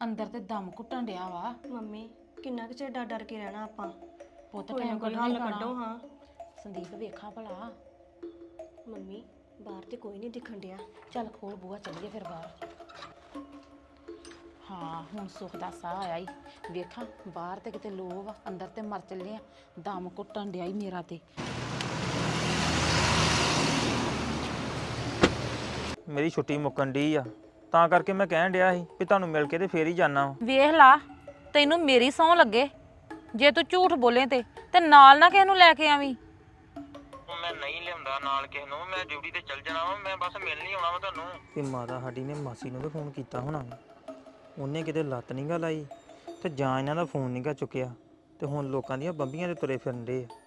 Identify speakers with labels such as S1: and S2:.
S1: ਅੰਦਰ ਤੇ ਦਮ ਘੁੱਟਣ ਡਿਆ ਵਾ।
S2: ਮੰਮੀ ਕਿੰਨਾ ਕੁ ਚਿਰ ਡਰ ਡਰ ਕੇ ਰਹਿਣਾ ਆਪਾਂ?
S1: ਪੁੱਤ
S2: ਕੋਈ ਨਾ
S1: ਟਾਈਮ
S2: ਕੋਈ
S1: ਕੱਢਣਾ ਹੀ
S2: ਹੱਲ ਕੱਢੋ
S1: ਪੈਣਾ।
S2: ਹਾਂ।
S1: ਸੰਦੀਪ ਵੇਖਾਂ ਭਲਾ।
S2: ਮੰਮੀ ਬਾਹਰ ਤੇ ਕੋਈ ਨਹੀਂ ਦਿਖਣ ਡਿਆ।
S1: ਚੱਲ ਖੋਲ ਬੂਹਾ ਚੱਲੀਏ ਫਿਰ ਬਾਹਰ। ਹਾਂ ਹੁਣ ਸੁੱਖ ਦਾ ਸਾਹ ਆਇਆ ਈ। ਵੇਖਾਂ ਬਾਹਰ ਤੇ ਕਿਤੇ ਲੋ ਵਾ, ਅੰਦਰ ਤੇ ਮਰ ਚੱਲੇ ਆ। ਦਮ ਘੁੱਟਣ ਡਿਆ ਈ ਮੇਰਾ ਤੇ।
S3: ਮੇਰੀ ਛੁੱਟੀ ਮੁੱਕਣ ਡਈ ਆ, ਤਾਂ ਕਰਕੇ ਮੈਂ ਕਹਿਣ ਡਿਆ ਸੀ ਵੀ ਤੁਹਾਨੂੰ ਮਿਲ ਕੇ ਤੇ ਫੇਰ ਹੀ ਜਾਣਾ ਵਾ।
S1: ਵੇਖ ਲਾ, ਤੈਨੂੰ ਮੇਰੀ ਸਹੁੰ ਲੱਗੇ ਜੇ ਤੂੰ ਝੂਠ ਬੋਲੇ ਤੇ ਨਾਲ ਨਾ ਕਿਸੇ ਨੂੰ ਲੈ ਕੇ ਆਵੀਂ।
S3: ਮੈਂ ਨਹੀਂ ਲਿਆਉਂਦਾ ਨਾਲ ਕਿਸੇ ਨੂੰ, ਮੈਂ ਡਿਊਟੀ ਤੇ ਚੱਲ ਜਾਣਾ ਵਾ, ਮੈਂ ਬਸ ਮਿਲਣ ਹੀ ਆਉਣਾ ਵਾ ਤੁਹਾਨੂੰ। ਤੇ ਮਾਤਾ ਸਾਡੀ ਨੇ ਮਾਸੀ ਨੂੰ ਵੀ ਫੋਨ ਕੀਤਾ ਹੋਣਾ, ਉਹਨੇ ਕਿਤੇ ਲੱਤ ਨੀ ਗਾ ਲਾਈ ਤੇ ਜਾਂ ਇਹਨਾਂ ਦਾ ਫੋਨ ਨੀ ਗਾ ਚੁੱਕਿਆ, ਤੇ ਹੁਣ ਲੋਕਾਂ ਦੀਆਂ ਬੰਬੀਆਂ ਤੇ ਤੁਰੇ ਫਿਰਨ ਡੇ ਆ।